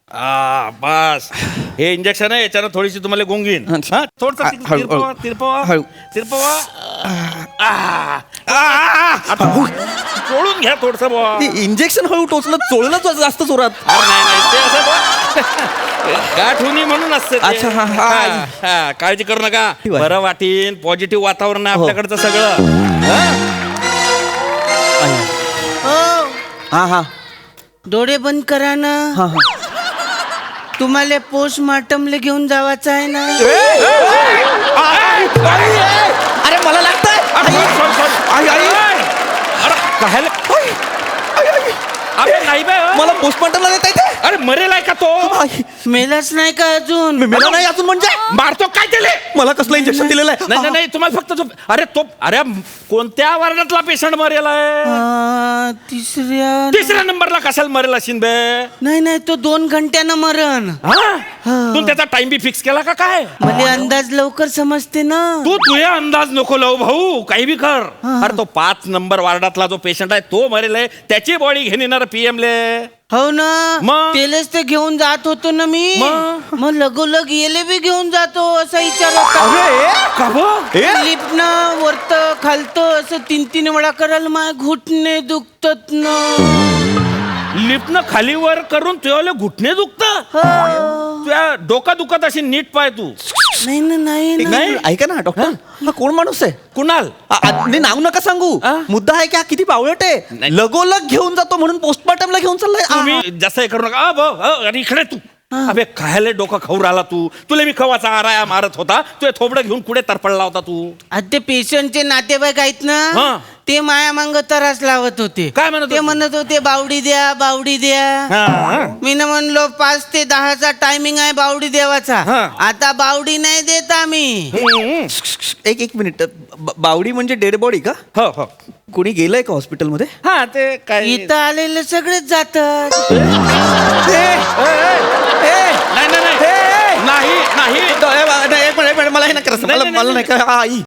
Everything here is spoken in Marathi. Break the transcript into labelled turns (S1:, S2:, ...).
S1: बस हे इंजेक्शन आहे, याच्यानं थोडीशी तुम्हाला गुंगीन. थोडस तिरपवा तिरपवा तिरपवा. चोळून घ्या थोडस बुवा.
S2: इंजेक्शन हळू टोचलं, चोळलं जास्त जोरात.
S1: नाही नाही ते असं बुवा. गाठ होणी म्हणून असते ते.
S2: अच्छा, हा.
S1: काळजी करू नका,
S2: ठीक आहे.
S1: बरं वाटीन. पॉझिटिव्ह वातावरण आहे आपल्याकडचं सगळं.
S2: हा हा
S3: डोळे बंद करा ना.
S2: हा हा
S3: तुम्हाला पोस्टमार्टमला घेऊन जावाचं आहे ना.
S2: अरे मला लागतंय. आई आई
S1: अरे नाही बे,
S2: मला पोस्टमार्टमला देता येते.
S1: अरे मरेल आहे का तो?
S3: मेलाच नाही का अजून?
S2: मला नाही अजून म्हणजे
S1: मारतो काय त्याले?
S2: मला कसलं इंजेक्शन दिलेलं आहे?
S1: नाही नाही तुम्हाला फक्त अरे तो अरे कोणत्या वार्डातला पेशंट मरेल आहे? तिसऱ्या नंबरला कशाला मरेल असेल बे?
S3: नाही तो 2 घंट्यानं मरण.
S1: तू त्याचा टाइम बी फिक्स केला का काय?
S3: मला अंदाज लवकर समजते ना.
S1: तू तुझ्या अंदाज नको लावू भाऊ, काही बी कर. अरे तो 5 नंबर वार्डातला जो पेशंट आहे तो मरेल आहे, त्याची बॉडी घेऊन येणार पीएम ले.
S3: हो ना,
S1: मग?
S3: तेलच ते घेऊन जात होतो ना मी. मग लगोलग येले बी घेऊन जातो असं विचार
S1: का बं?
S3: लिफ्टनं वरत खालत असं 3 वेळा करायला माझे घुटणे दुखतात ना.
S1: लिफ्टनं खाली वर करून तुझ्या घुटणे दुखत? तुझ्या डोका दुखत अशी नीट पाय तू.
S3: नाही ना नाही ना.
S1: नाही.
S2: ऐका ना डॉक्टर, हा कोण माणूस आहे?
S1: कुणाल?
S2: नाही नाव नका सांगू. मुद्दा आहे की हा किती बावळट आहे.
S1: नाही.
S2: लगोलग घेऊन जातो म्हणून पोस्टमार्टमला घेऊन चाललाय.
S1: तुम्ही जास्त हे करू नका. अरे इकडे तू. अबे खायला डोका खाऊ राहिला तू. तुला मी खवाचा आराया मारत होता, तुझे थोबडं घेऊन कुठे तरपडला होता तू?
S3: आता ते पेशंटचे नातेवाईक आहेत
S1: हा.
S3: ना, ते माया मांग त्रास लावत होते.
S1: काय म्हणत
S3: ते
S1: होते?
S3: म्हणत होते बावडी द्या बावडी द्या. मी ना म्हणलो 5 ते 10चा टायमिंग आहे बावडी देवाचा.
S1: हा.
S3: आता बावडी नाही देत आम्ही.
S2: एक मिनिट, बावडी म्हणजे डेड बॉडी का?
S1: हो हो.
S2: कोणी गेलंय का हॉस्पिटलमध्ये?
S1: हा ते काय
S3: इथं आलेले सगळेच जातात.
S1: नाही नाही नाही नाही
S2: एक मिनिट, मला हे नाही करायचं.
S1: नाही,
S2: मला
S1: नाही,
S2: नाही का आई